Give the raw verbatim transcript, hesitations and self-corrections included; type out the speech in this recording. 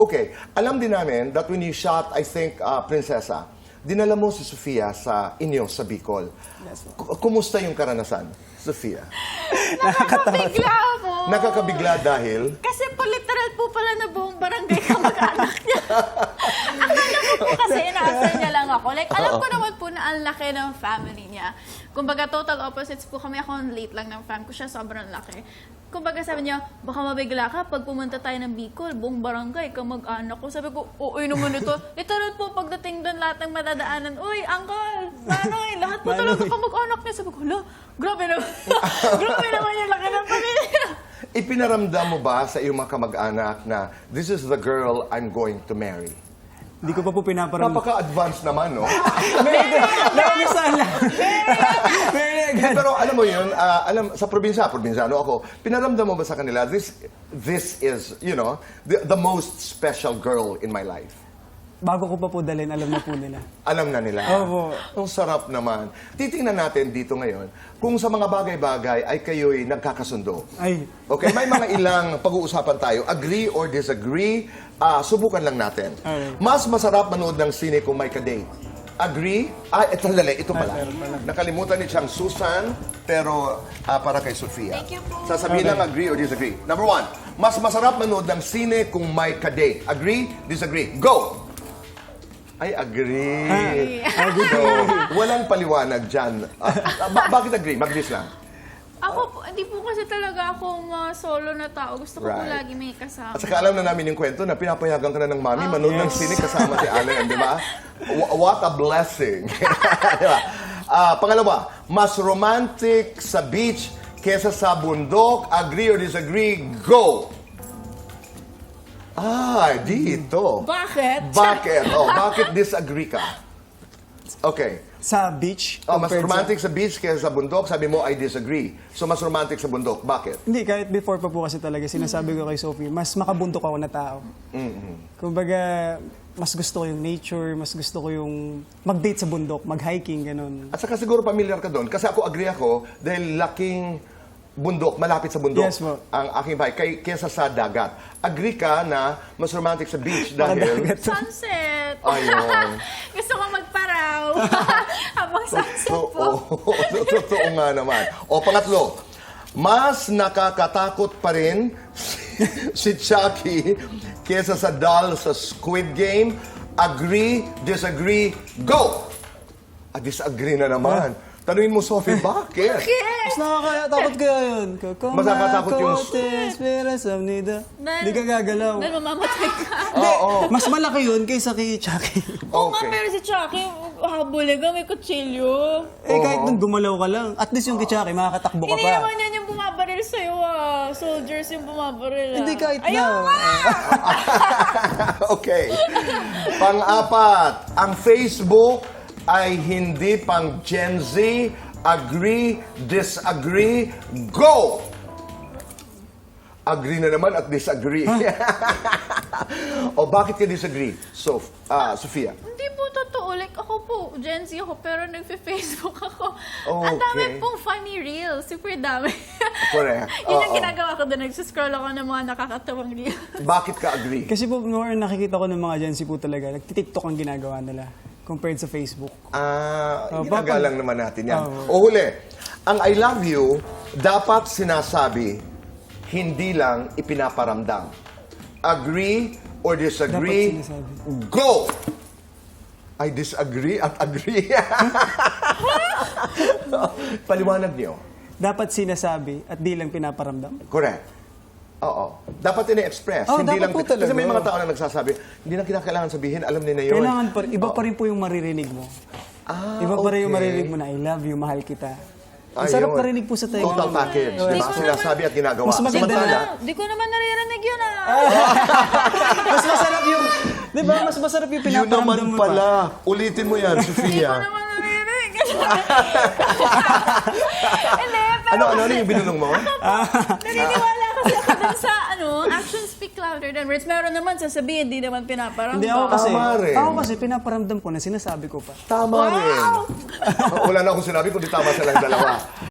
Okay, alam din namin that when you shot, I think, uh, Prinsesa, dinala mo si Sofia sa inyo, sa Bicol. Yes, K- Kumusta yung karanasan, Sofia? Nakakabigla po. Nakakabigla dahil... Kasi po literal po pala na buong barangay kamag-anak niya. Akala ko po kasi inaasal niya lang ako. Like, alam ko naman po na ang laki ng family niya. Kumbaga, total opposites po kami. Ako ang late lang ng fam ko. Siya sobrang laki. Kumbaga sabi niya, baka mabigla ka pag pumunta tayo ng Bicol, buong barangay, kamag-anak ko. Sabi ko, uy naman ito. Literal po pagdating doon lahat ng madadaanan, uy, uncle, manoy, lahat po talaga kamag-anak niya. Sabi ko, hala, grabe naman. Grabe naman yung laki ng pamilya. Ipinaramdam mo ba sa iyong mga kamag-anak na this is the girl I'm going to marry? Hindi ko pa po pinaparamdam. Napaka-advance naman, no? Nakamisala. Very good. Pero alam mo yun, ah, alam, sa probinsya, probinsyano ako, pinaramdam mo ba sa kanila, this, this is, you know, the, the most special girl in my life? Bago ko pa po dalhin, alam na po nila. Alam na nila. Opo. Ang sarap naman. Titingnan natin dito ngayon kung sa mga bagay-bagay ay kayo'y nagkakasundo. Ay, Okay, may mga ilang pag-uusapan tayo. Agree or disagree, ah, subukan lang natin. Alright. Mas masarap manood ng sine kung may kadate. Agree? Ah, ito dali, ito pala. Ay, meron pala. Nakalimutan ni siyang Susan, pero ah, para kay Sofia. Thank you po. Sasabihin Okay. lang agree or disagree. Number one, mas masarap manood ng sine kung may kadate. Agree? Disagree? Go! Ay, agree. So, walang paliwanag dyan. Ah, ba- bakit agree? Mag-dis lang. Ako po, hindi po kasi talaga ako ma-solo na tao. Gusto ko po Right. lagi may kasama. At saka alam na namin yung kwento na pinapayagan ka na ng mami, manood ng sine kasama si Allen, di ba? Wh- What a blessing. Di ba? Ah, pangalawa, mas romantic sa beach kesa sa bundok. Agree or disagree? Go! Ah, dito. Bakit? Bakit? Oh, bakit disagree ka? Okay. sa beach. Oh, mas compared sa- romantic sa beach kesa sa bundok. Sabi mo, I disagree. So, mas romantic sa bundok. Bakit? Hindi, kahit before pa po kasi talaga, sinasabi ko kay Sophie, mas makabundok ako na tao. Kumbaga, mas gusto ko yung nature, mas gusto ko yung mag-date sa bundok, mag-hiking, ganun. At saka siguro familiar ka doon. Kasi ako agree ako dahil laking bundok, malapit sa bundok Yes, po. ang aking bahay kay, kesa sa dagat. Agree ka na mas romantic sa beach dahil... Dagat. Sunset. Ayun. Gusto ko magparaw. Habang sunset Totoo. po. Totoo nga naman. O pangatlo, mas nakakatakot pa rin si Chucky kesa sa doll sa Squid Game. Agree, disagree, go! Ah, disagree na naman. Tanungin mo, Sophie, bakit? Mas nakakatakot kaya yun. Kung Mas nakakatakot yung- esperanza nida. Dahil- Hindi ka gagalaw. Dahil mamamatay ka. Hindi, Oo. mas malaki yun kaysa kay Chucky. Oo nga, Okay. pero si Chucky, habuli ka, may kutsilyo. Eh, kahit nung gumalaw ka lang, at least yung kay Chucky, makakatakbo ka Hindi pa. naman yan yung bumabaril sa'yo ah. Soldiers yung bumabaril ah. Hindi kahit Ayaw na. nga! Okay. Pang-apat, ang Facebook ay hindi pang Gen Z. Agree, disagree, go! Agree na naman at disagree. O bakit ka disagree? So, ah, Sofia. Hindi po totoo. Like ako po, Gen Z ako, pero nagfe-Facebook ako. Ang Okay. dami pong funny reels. Super dami. Correct. Yun ang Oo. ginagawa ko doon. Nagsuscroll ako ng mga nakakatawang reels. Bakit ka agree? Kasi po, more nakikita ko ng mga Gen Z po talaga, nagtitiktok ang ginagawa nila compared sa Facebook. Ah, Oh, ginagalang bakit? naman natin yan. Oh. O huli, ang I love you, dapat sinasabi, hindi lang ipinaparamdam. Agree or disagree, Dapat sinasabi. go! I disagree at agree. Paliwanag niyo. Dapat sinasabi at di lang pinaparamdam. Correct. Oo. Dapat ini-express. Oh, hindi lang, dapat po kasi talaga. may mga tao na nagsasabi, hindi na kinakailangan sabihin, alam nila yun. Kailangan pa rin, iba pa rin po yung maririnig mo. Ah, Iba pa rin yung okay. maririnig mo na, I love you, mahal kita. Ang Ayun. sarap marinig po sa tayo. Total package. Oh, Diba? yes. Sinasabi at ginagawa. Mas maganda Samantala, na- Di ko naman naririnig yun ah. Mas masarap yung, di ba, mas masarap yung yun pinaparamdam naman mo pala. pa. Ulitin mo yan, Di ko Sofia. naman naririnig. Hindi, pero Ano, ano, ano yung binulong mo? naniniwala kasi ako dun sa ano, actions speak louder than words. Meron naman sasabihin, di naman pinaparamdam. Hindi ako kasi, Tama rin. ako kasi pinaparamdam ko na sinasabi ko pa. Tama rin. Wala na akong sinabi, kundi tama silang dalawa.